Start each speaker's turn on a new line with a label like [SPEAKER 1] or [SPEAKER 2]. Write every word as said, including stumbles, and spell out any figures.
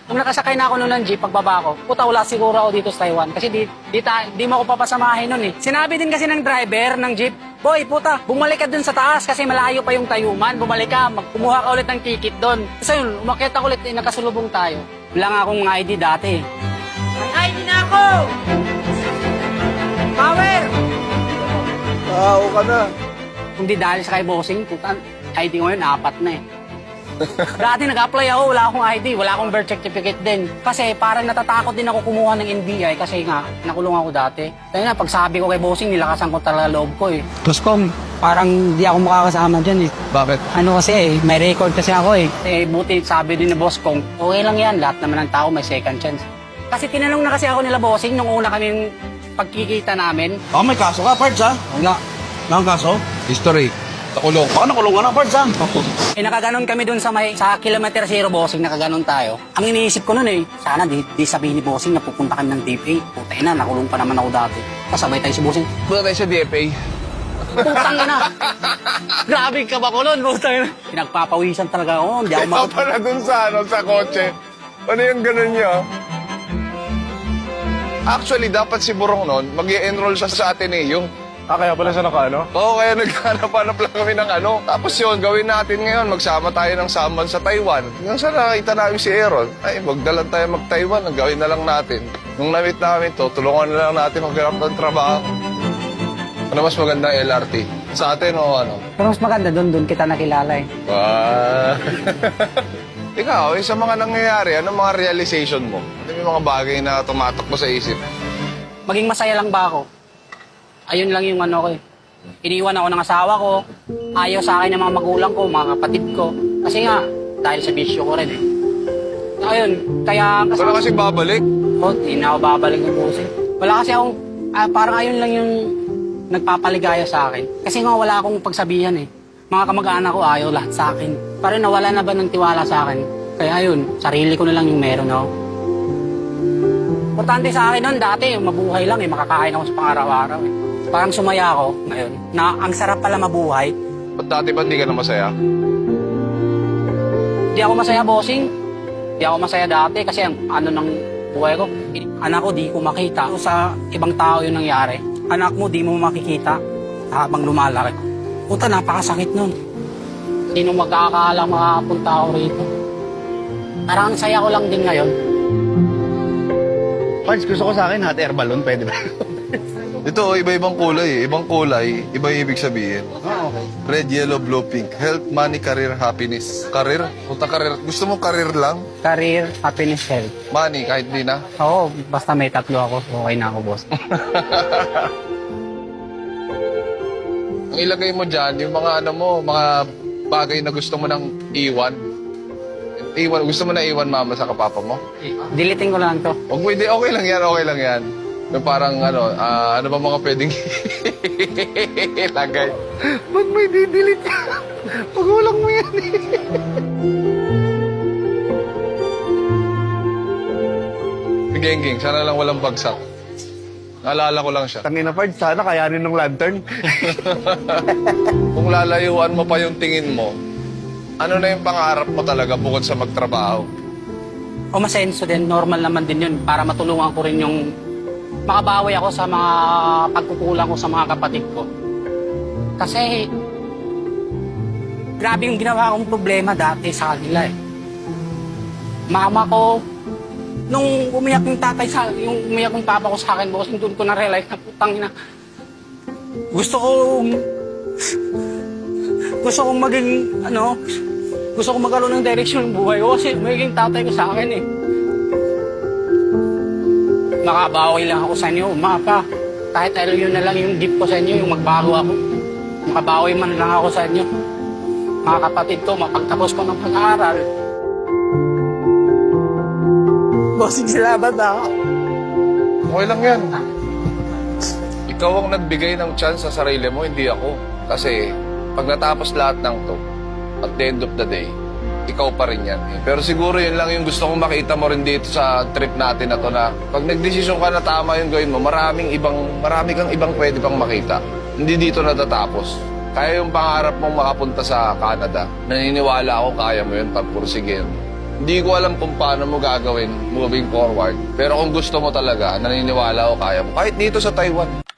[SPEAKER 1] Nung nakasakay na ako noon ng jeep, pagbaba ko, puta wala siguro ako dito sa Taiwan. Kasi di, di, ta, di mo ako papasamahin noon eh. Sinabi din kasi ng driver ng jeep, boy, puta, bumalik ka dun sa taas kasi malayo pa yung Tayuman. Bumalik ka, magkumuha ka ulit ng ticket doon. Kasi yun, umakyat ako ulit, eh, nakasulubong tayo. Wala nga akong I D dati. May I D na ako! Power!
[SPEAKER 2] Tao ka na.
[SPEAKER 1] Kung di dahil sa kay bossing, puta, I D ko yun, apat na eh. Dati nag-apply ako, wala akong I D, wala akong birth certificate din. Kasi parang natatakot din ako kumuha ng N B I kasi nga, nakulong ako dati. Kaya na, pag sabi ko kay bossing, nilakasan ko talaga loob ko eh. Tapos kung parang di ako makakasama dyan eh.
[SPEAKER 2] Bakit?
[SPEAKER 1] Ano kasi eh, may record kasi ako eh. Eh, buti sabi din ni boss kong, okay lang yan, lahat naman ng tao may second chance. Kasi tinanong na kasi ako nila bossing nung una kaming pagkikita namin.
[SPEAKER 2] Baka may kaso ka, Pards, ha? Wala. Wala kang kaso? History. Nakulong. Baka nakulong ka na, Pards, ha?
[SPEAKER 1] Eh, nakaganon kami dun sa may, sa kilometer zero bossing, nakaganon tayo. Ang iniisip ko nun eh, sana di, di sabihin ni bossing na pupunta kami ng D F A. Puta na, nakulong pa naman ako dati. Kasabay tayo si bossing.
[SPEAKER 2] Punta tayo sa D F A.
[SPEAKER 1] Putang na. Grabe ka ba ko nun, putang na. Pinagpapawisan talaga ako, hindi ako
[SPEAKER 3] Ikaw
[SPEAKER 1] makapag...
[SPEAKER 3] pala dun sa, ano, sa kotse. Ano yung ganun niya? Actually, dapat si Burong nun, mag-i-enroll siya sa Ateneo.
[SPEAKER 2] Ah, kaya pala siya naka, ano?
[SPEAKER 3] Oo, kaya naghanap-hanap lang kami ng ano. Tapos yun, gawin natin ngayon, magsama tayo ng saman sa Taiwan. Yung sa nakita namin si Aaron, ay, magdalan tayo mag-Taiwan, ang gawin na lang natin. Nung na-meet namin to, tulungan na lang natin maghanap ng trabaho. Ano mas maganda L R T? Sa atin o ano?
[SPEAKER 1] Pero mas maganda dun, dun kita nakilala eh.
[SPEAKER 3] Ah. Ikaw, eh, sa mga nangyayari, anong mga realization mo? Ano yung mga bagay na tumatakbo sa isip?
[SPEAKER 1] Maging masaya lang ba ako? Ayun lang yung ano ko eh. Iniwan ako ng asawa ko, ayaw sa akin ng mga magulang ko, mga kapatid ko. Kasi nga, dahil sa bisyo ko rin eh. Ayun, kaya...
[SPEAKER 3] Wala kasi babalik.
[SPEAKER 1] Oh, di na ako babalik ng busi. Wala kasi akong, ah, parang ayun lang yung nagpapaligaya sa akin. Kasi nga wala akong pagsabihan eh. Mga kamag-anak ko ayaw lahat sa akin. Parang nawala na ba ng tiwala sa akin? Kaya ayun, sarili ko na lang yung meron ako. Importante sa akin nun dati, mabuhay lang eh, makakain ako sa pang-araw-araw eh. Parang sumaya ako ngayon na ang sarap pala mabuhay.
[SPEAKER 3] Ba't dati ba hindi ka na masaya?
[SPEAKER 1] Di ako masaya, bossing. Di ako masaya dati kasi ang ano ng buhay ko. Anak ko, di ko makita. Sa ibang tao yung nangyari. Anak mo, di mo makikita habang lumalaki. Puta, napakasakit nun. Sino magkakaalam makapunta ako rito? Parang ang saya ko lang din ngayon.
[SPEAKER 2] Pards, gusto ko sa akin hot air balloon, pwede ba?
[SPEAKER 3] Ito, iba-ibang kulay. Ibang kulay, iba yung ibig sabihin.
[SPEAKER 2] Ah, okay.
[SPEAKER 3] Red, yellow, blue, pink. Health, money, career, happiness. Career? Punta career. Gusto mo career lang?
[SPEAKER 1] Career, happiness, health.
[SPEAKER 3] Money, kahit di na.
[SPEAKER 1] Oo, basta may tatlo ako, okay na ako, boss.
[SPEAKER 3] Ang ilagay mo dyan, yung mga ano mo, mga bagay na gusto mo nang iwan. Iwan, gusto mo na iwan mama sa kapapa mo?
[SPEAKER 1] Diliting ko lang to.
[SPEAKER 3] Huwag mo, hindi, okay lang yan, okay lang yan. Yung parang ano, ah, ano ba mga pwedeng ilagay?
[SPEAKER 2] Ba't may didelete ka? Pag walang mo yan eh.
[SPEAKER 3] Si Gengging, sana lang walang bagsak. Naalala ko lang siya.
[SPEAKER 2] Tangin na, Pards, sana kayanin ng lantern.
[SPEAKER 3] Kung lalayuan mo pa yung tingin mo, ano na yung pangarap mo talaga bukod sa magtrabaho?
[SPEAKER 1] O masenso din, normal naman din yun para matulungan ko rin yung makabawi ako sa mga pagkukulang ko sa mga kapatid ko. Kasi grabe yung ginawa kong problema dati sa kanila eh. Mama ko, nung umiyak yung tatay sa, yung umiyak yung papa ko sa akin, boss, doon ko na-realize na putang ina. Gusto ko, gusto kong maging, ano, gusto kong magkaroon ng direksyon ng buhay ko kasi magiging tatay ko sa akin eh. Makabawi lang ako sa inyo, mapa. Kahit ano yun na lang yung gift ko sa inyo, yung magbago ako. Makabawi man lang ako sa inyo. Mga kapatid ko, mapagtapos ko ng pag-aaral. Bossing, salamat ako.
[SPEAKER 3] Okay lang yan. Ikaw ang nagbigay ng chance sa sarili mo, hindi ako. Kasi pag natapos lahat ng to, at the end of the day, ikaw pa rin yan. Eh. Pero siguro yun lang yung gusto kong makita mo rin dito sa trip natin na to na pag nagdesisyon ka na tama yung gawin mo, maraming ibang, marami kang ibang pwede pang makita. Hindi dito natatapos. Kaya yung pangarap mong makapunta sa Canada, naniniwala ako kaya mo yun pagpursigin. Hindi ko alam kung paano mo gagawin moving forward. Pero kung gusto mo talaga, naniniwala ako kaya mo. Kahit dito sa Taiwan.